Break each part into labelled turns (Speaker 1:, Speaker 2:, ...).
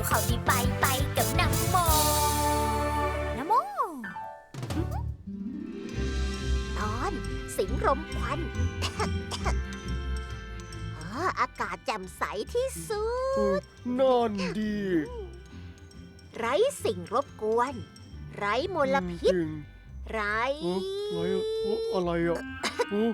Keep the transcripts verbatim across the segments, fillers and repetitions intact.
Speaker 1: เขาดีไปไปกับน้ำโมน้ำโมตอนสิงรมควัน อากาศแจ่มใสที่สุด
Speaker 2: นั่นดี
Speaker 1: ไร้สิ่งรบกวน ไร้มลพิษ
Speaker 2: จริง
Speaker 1: ไร้
Speaker 2: เอ้ออะไรอะเอ้อ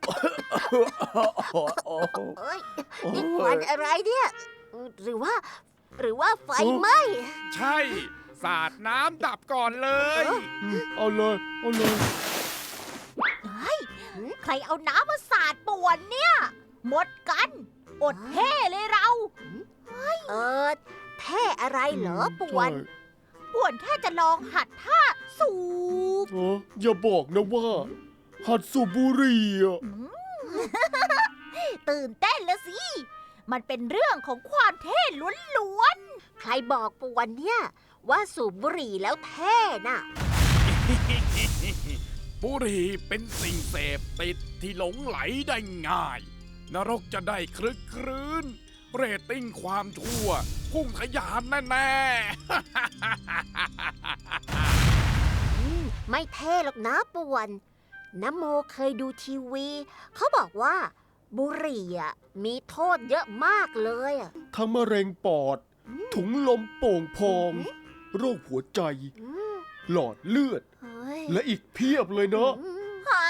Speaker 2: อะไรอะ
Speaker 1: เอ้ยนี่ควันอะไรเนี่ย หรือว่า หรือว่าไฟไหม้
Speaker 3: ใช่สาดน้ำดับก่อนเลย
Speaker 2: เอาเลยเอาเลย
Speaker 1: เฮ้ย ใครเอาน้ำมาสาดป่วนเนี่ย หมดกัน อดเท่เลยเรา เออเท่อะไรเหรอป่วน ป่วนแค่จะลองหัดท่าสูบ
Speaker 2: เอออย่าบอกนะว่า หัดสูบบุหรี่อ่ะ
Speaker 1: ตื่นเต้นละสิ มันเป็นเรื่องของความเท่ล้วนๆ ใครบอกป่วนเนี่ย ว่าสูบบุหรี่แล้วเท่น่ะ
Speaker 3: บุหรี่เป็นสิ่งเสพติดที่หลงไหลได้ง่าย นรกจะได้คลึกครื้น เรตติ้งความชั่ว พุ่งทะยานแน่
Speaker 1: ไม่เท่หรอกนะป่วนน้ำโมเคยดูทีวี เขาบอกว่าบุหรี่อ่ะมีโทษเยอะมากเลยอ่ะ
Speaker 2: ทั้งมะเร็งปอด ถุงลมโป่งพอง โรคหัวใจ หลอดเลือด
Speaker 1: เฮ้ย
Speaker 2: และอีกเพียบเลยเนาะ
Speaker 1: หา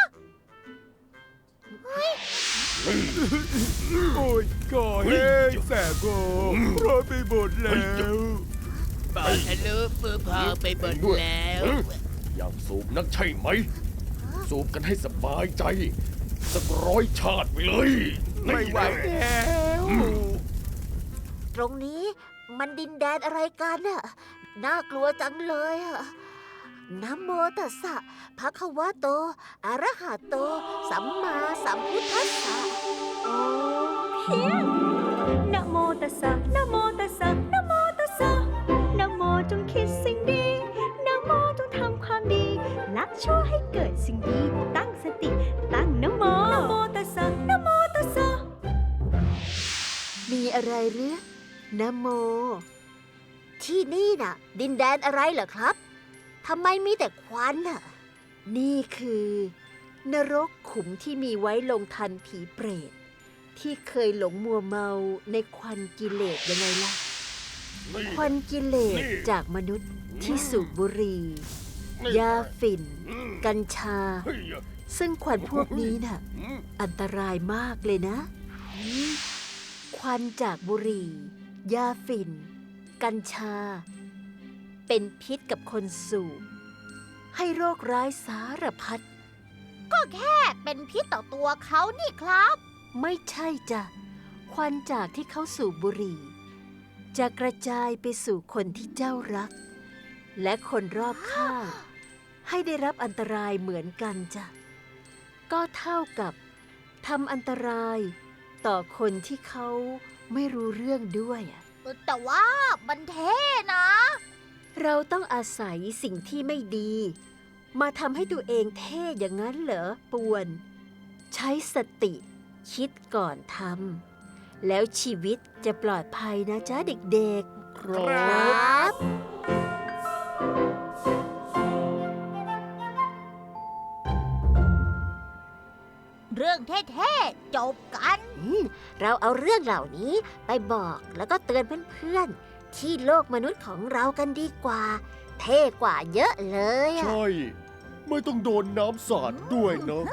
Speaker 3: โอ้ยก่อเฮ้ยแสบโกร้อนไปหมดแล้ว
Speaker 4: บอลทะลุมือพอไปหมดแล้ว
Speaker 2: อยากสูบนักใช่ไหม สูบกันให้สบายใจ สักร้อยชาติไปเลย
Speaker 3: ไม่ไหวแล้ว
Speaker 1: ตรงนี้มันดินแดนอะไรกันน่ะ น่ากลัวจังเลยอ่ะนะโมตัสสะภะคะวะโต อะระหะโต สัมมาสัมพุทธัสสะ
Speaker 5: โอ้เพียงนะโมตัสสะนะโมตัสสะนะโมตัสสะนะโมจงคิดสิ่งดีนะโมจงทำความดีละชั่วให้เกิดสิ่งดี ตั้งสติ ตั้งนะโมนะโมตัสสะนะโมตัสสะ
Speaker 1: มีอะไรหรือนะโม ที่นี่น่ะ ดินแดนอะไรเหรอครับทำไมมีแต่ควันน่ะ นี่คือ นรกขุมที่มีไว้ลงทันผีเปรต ที่เคยหลงมัวเมาในควันกิเลสยังไงล่ะ ควันกิเลสจากมนุษย์ที่สูบบุหรี่ยาฝิ่น กัญชา ซึ่งควันพวกนี้น่ะ อันตรายมากเลยนะ ควันจากบุหรี่ ยาฝิ่น กัญชา เป็นพิษกับคนสูบ ให้โรคร้ายสารพัด ก็แค่เป็นพิษต่อตัวเขานี่ครับ ไม่ใช่จ้ะ ควันจากที่เขาสูบบุหรี่ จะกระจายไปสู่คนที่เจ้ารัก และคนรอบข้าง ให้ได้รับอันตรายเหมือนกันจ้ะ ก็เท่ากับทำอันตรายต่อคนที่เขาไม่รู้เรื่องด้วยอะแต่ว่ามันเท่นะ เราต้องอาศัยสิ่งที่ไม่ดี มาทำให้ตัวเองเท่อย่างนั้นเหรอป่วน ใช้สติคิดก่อนทำแล้วชีวิตจะปลอดภัยนะจ๊ะเด็กๆ
Speaker 2: ครับ
Speaker 1: เรื่องเท่ๆจบกันเราเอาเรื่องเหล่านี้ไปบอกแล้วก็เตือนเพื่อนๆที่โลกมนุษย์ของเรากันดีกว่า เท่กว่าเยอะเลยอะ
Speaker 2: ใช่ ไม่ต้องโดนน้ำสาดด้วยเนาะ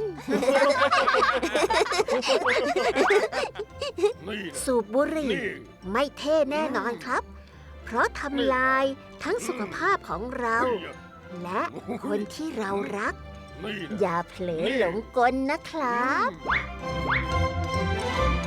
Speaker 1: สูบบุหรี่ไม่เท่แน่นอนครับ เพราะทำลายทั้งสุขภาพของเรา และคนที่เรารัก อย่าเผลอหลงกลนะครับ